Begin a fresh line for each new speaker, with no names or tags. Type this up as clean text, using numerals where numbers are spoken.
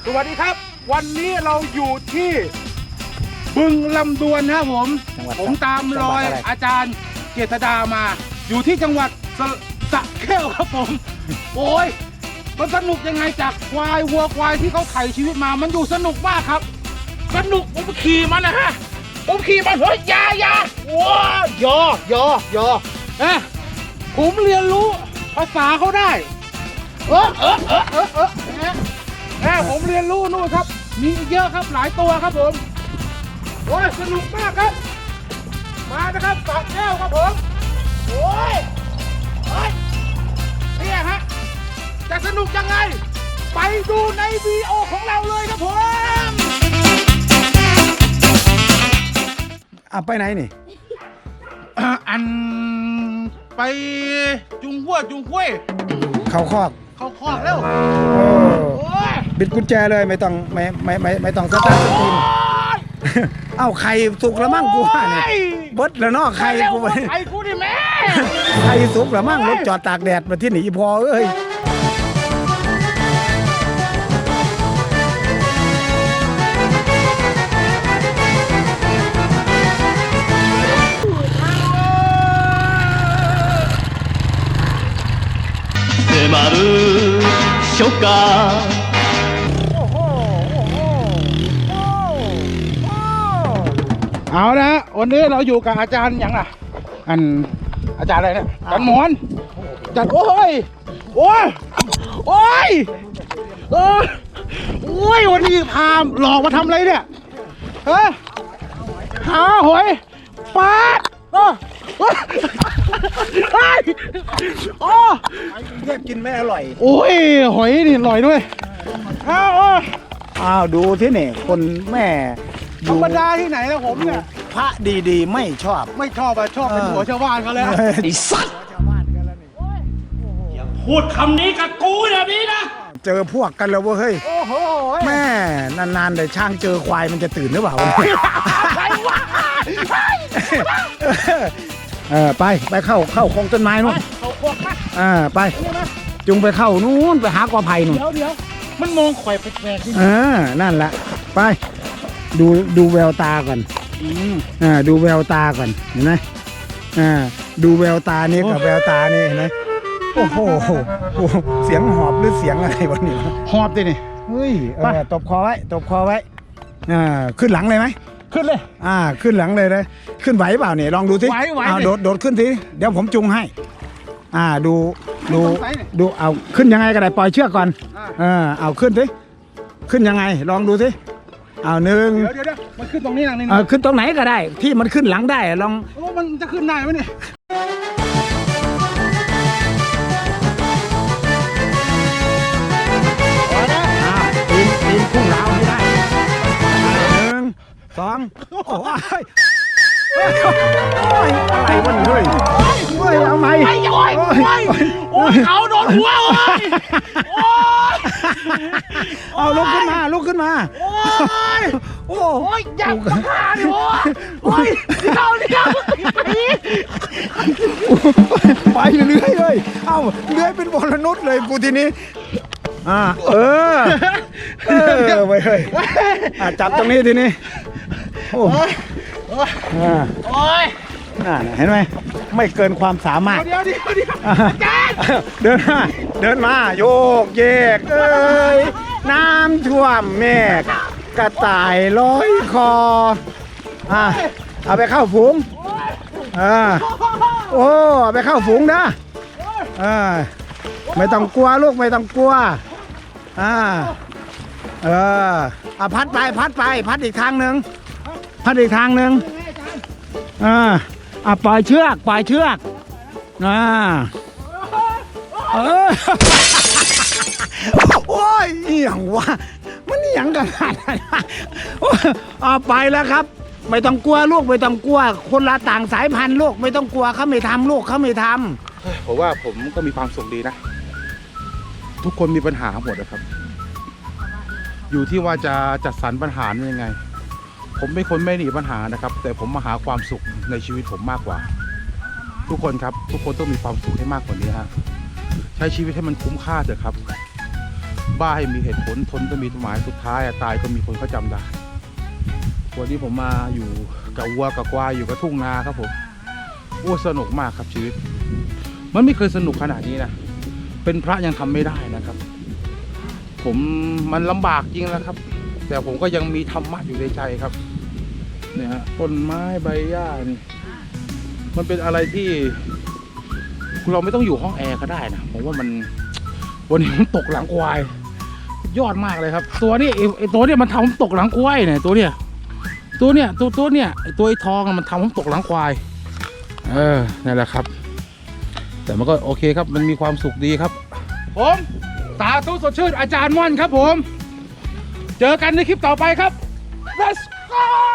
สวัสดีครับวันนี้เราอยู่ที่บึงลำดวนนะครับผมตามรอยอาจารย์เจษฎามาอยู่ที่จังหวัดสระแก้วครับผมโอ้ยมันสนุกยังไงจากควายวัวควายที่เขาไถ่ชีวิตมามันอยู่สนุกมากครับสนุกผมขี่มันนะฮะผมขี่มันเฮ้ยยาว้ายผมเรียนรู้ภาษาเขาได้ผมเรียนรู้นู่นครับมีเยอะครับหลายตัวครับผมโอ้ยสนุกมากครับมานะครับสระแก้วครับผมโอ้ยเนี่ยฮะจะสนุกยังไงไปดูในวีดีโอของเราเลยครับผม
ไปไหนนี่
อันไปจุงหัวจุงคุ้ย
เข้าคอก
แล้ว
บิดกุญแจเลยไม่ต้องสตาร์ทสตรีมเอ้าไข่สุกแล้วมั่งกูว่าเนี่ยเบิดแล้วเนาะไข่กู
ไข่กูดิแม่
ไข่สุกแล้วมั่งรถจอดตากแดดมาที่หนีพอเอ้ย
迫る初夏
เอาละวันนี้เราอยู่กับอาจารย์อย่างอาจารย์อะไรเนี่ยอาจารย์หมอนจัดโอ้ยวันนี้พาหลอกมาทำอะไรเนี่ยหาหอยปลา
เรียกกินไม่อร่อย
โอ้ยหอยนี่อร่อยด้วย
อ้าวดูที่นี่คนแม่
ธรรมดาที่ไหนแล้วผมเนี่ย
พระดีๆไม่ชอบ
ชอบเป็นหัวชาวบ้านเขาแล้ว
ไอ้สัตว์อย่าพูดคำนี้กับกูแบบนี้นะ
เจอพวกกันแล้วเว้ยแม่นานๆแต่ช่างเจอควายมันจะตื่นหรือเปล่าไปเข้าคงต้นไม้นู่นไปจุงไปเข้านู่นไปหากอไผ่นู่น
เดี๋ยวมันมองข่อยแปลก
ๆนั่นแหละไปดูแววตาก่อนดูแววตาก่อนเห็นไหมดูแววตานี้กับแววตานี่เห็นไหมโอ้โหเสียงหอบหรือเสียงอะไรวะนี่
หอบดินี่
เฮ้ยตบคอไว้ขึ้นหลังเลยไหม
ขึ้นเลย
ขึ้นหลังเลยนะขึ้นไหวเปล่าเนี่ยลองดูสิโดดขึ้นสิเดี๋ยวผมจุงให้ดูเอาขึ้นยังไงก็ได้ปล่อยเชือกก่อนเอาขึ้นสิขึ้นยังไงลองดูสิเอาหนึ่ง
เดี๋ยวมันขึ้นตรงนี้นะ
นี่ขึ้นตรงไหนก็ได้ที่มันขึ้นหลังได้ลอง
มันจะขึ้นได้ไหมเนี่ย
ปีนพุ่งราวไม่ได้1 2โอ้ยอะไรวะเฮ้ยเอาไหม
เขาโดนหัว
เอาลุกขึ้นมาโอ้
ยอยากฆ่าดิโอ้ยเดี๋ยว
ไปเรื่อยเลยเอ้าเรื่อยเป็นบอลนุษย์เลยกูทีนี้ไปเลยจับตรงนี้ทีนี้โอ้ยเห็นไหมไม่เกินความสามารถ
เดี๋ยวอาจารย์
เดินมาโยกเยกน้ำท่วมเมฆกระต่ายร้อยคอเอาไปเข้าฝูงเอาไปเข้าฝูงนะไม่ต้องกลัวลูกไม่ต้องกลัวพัดไปพัดอีกทางหนึ่งปล่อยเชือกโอ้ยอย่างวะมันอย่างกันไปแล้วครับไม่ต้องกลัวลูกไม่ต้องกลัวคนละต่างสายพันธุ์ลูกไม่ต้องกลัวเขาไม่ทำลูกเขาไม่ท
ำผมว่าผมก็มีความสุขดีนะทุกคนมีปัญหาหมดนะครับอยู่ที่ว่าจะจัดสรรปัญหายังไงผมเป็นคนไม่หนีปัญหานะครับแต่ผมมาหาความสุขในชีวิตผมมากกว่าทุกคนครับทุกคนต้องมีความสุขให้มากกว่านี้ฮะใช้ชีวิตให้มันคุ้มค่าเถอะครับบ้าให้มีเหตุผลทนก็มีหมายสุดท้ายตายก็มีคนเขาจำได้วันนี้ผมมาอยู่กับวัวกับควายอยู่กับทุ่งนาครับผมโอ้สนุกมากครับชีวิตมันไม่เคยสนุกขนาดนี้นะเป็นพระยังทำไม่ได้นะครับผมมันลำบากจริงนะครับแต่ผมก็ยังมีธรรมะอยู่ในใจครับเนี่ยฮะต้นไม้ใบหญ้านี่มันเป็นอะไรที่เราไม่ต้องอยู่ห้องแอร์ก็ได้นะผมว่ามันวันนี้ผมตกหลังควายยอดมากเลยครับตัวนี้ไอตัวเนี้ยมันทำผมตกหลังควายเนี่ยตัวเนี้ยไอตัวไอทองมันทำผมตกหลังควายนั่นแหละครับแต่มันก็โอเคครับมันมีความสุขดีครับผมสาธุสดชื่นอาจารย์ม่อนครับผมเจอกันในคลิปต่อไปครับ Let's go